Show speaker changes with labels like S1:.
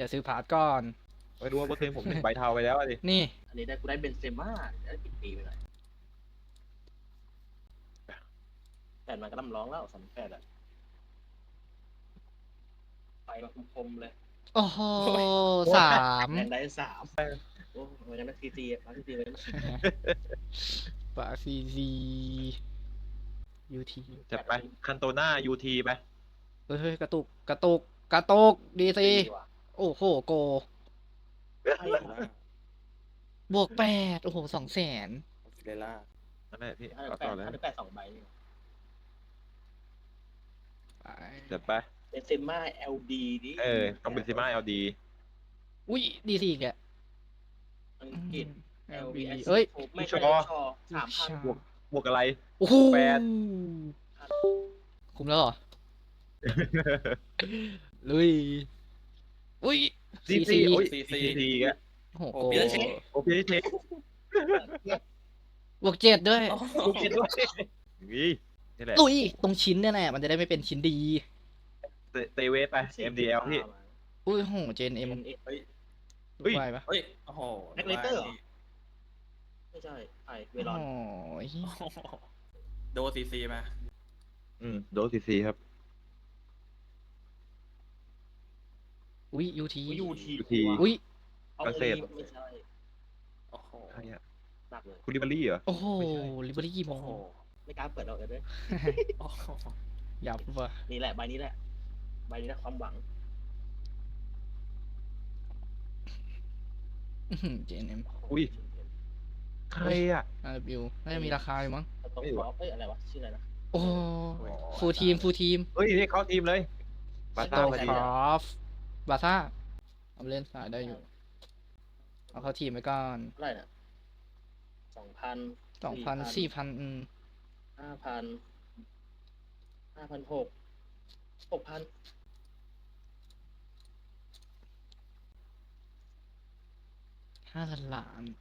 S1: เดี๋ยวซื้อพาร์ทก่อน
S2: ไม่รู้ว่าเมื่อคืนผม1 ใบเทาไปแล้วดิ
S1: นี่
S3: อันนี้ได้กูได้เบนเซม่าได้ปิดปีไปหน่อยแต่มันก็ต้องร้องแล้ว38อะไปมาคมๆเลย
S1: โอ้โหสาม
S3: แทนได้3โอ้เหมือนกันนะซีมาซีเลย
S1: ปาซีซียูที
S2: จะไปคันโตน่ายูทีไป
S1: เฮ้ยกระตุกกระตุกกระตกดีซีโอ้โหโกบวก8โอ้โห200,000
S4: เดล่า
S2: นั่นแหละพี่
S3: ถ้า
S2: เอา
S3: แป
S2: ต่อ
S3: ด
S2: เลย
S3: ถ้าแปด2 ใบ
S1: ไป
S2: จะไป
S3: เบนเซม่า LD นี่
S2: ต้องเป็นซิม่าLD
S1: อุ้ยดีซีแก
S3: อังกฤษ LV
S1: เอ้ย
S3: ไม่ใช่ชอ3,000
S2: บวกอะไร
S1: โอ้โห
S2: แปด
S1: คุ้มแล้วเหรอ ลุยอุ้ย
S2: ซีซีโอ้ยซีแก
S1: โอ้โห
S4: โอ้
S1: โก
S4: เปลี่ยนเช็ค
S2: โอเคเช็ค
S1: บวก7ด้วย
S2: โอเคด้วยนี่แหละ
S1: ลุยตรงชิ้นเนี่ยแหละมันจะได้ไม่เป็นชิ้นดี
S2: เตเวสไป MDL พี่
S1: อุ้ยโหเจนเอ็ม
S3: เฮ้ย
S2: เฮ้ย
S1: ไหวปะ
S4: เฮ้ยโอ้โห
S3: แม็กเลเตอร์เหรอ ไม่ใช่ไอเวลอน
S1: โอ้ย
S4: โดซีซีมา
S2: โดสซีครับ
S1: อุ้ยยูที
S3: ยูที
S2: UT
S1: อุ้ย
S3: เอา
S2: เกษตร
S3: ไม่ใช่
S4: โอ้โห
S2: ใครอะ
S3: หนักเลย
S2: คุณลิเบอรี่เหรอ
S1: โอ้โหลิเบอรี่กี่โม
S4: โอ้
S1: ง
S4: โห
S3: ไม่กล้าเปิดออกเลยด้วย
S4: โอ้โห
S1: ยับว่ะ
S3: นี่แหละใบนี้แหละใบนี้แหละความหวัง
S1: เจนเอ็ม
S2: อุ้ย ใครอ่ะ
S1: RW น่าจะมีราคาอยู่มั้ง
S3: ตรง
S2: ไม่รู้
S3: ฟอ
S2: อะ
S3: เอ้ยอะไรวะชื่ออะไรนะ
S1: โอ้ฟูลทีมฟูลทีม
S2: เฮ้ยนี่เข้าทีมเลยบา
S1: โต
S2: ซ่าพอ
S1: ค
S2: ดี
S1: รอฟบาซ่าเอาไปเล่นสายได้อยู่ เอาเข้าทีมไปก่อน
S3: เท่าไหร่น่ะ2,000
S1: 2,000 4,000
S3: 5,000 5,600 6,000
S1: 5,000,000,000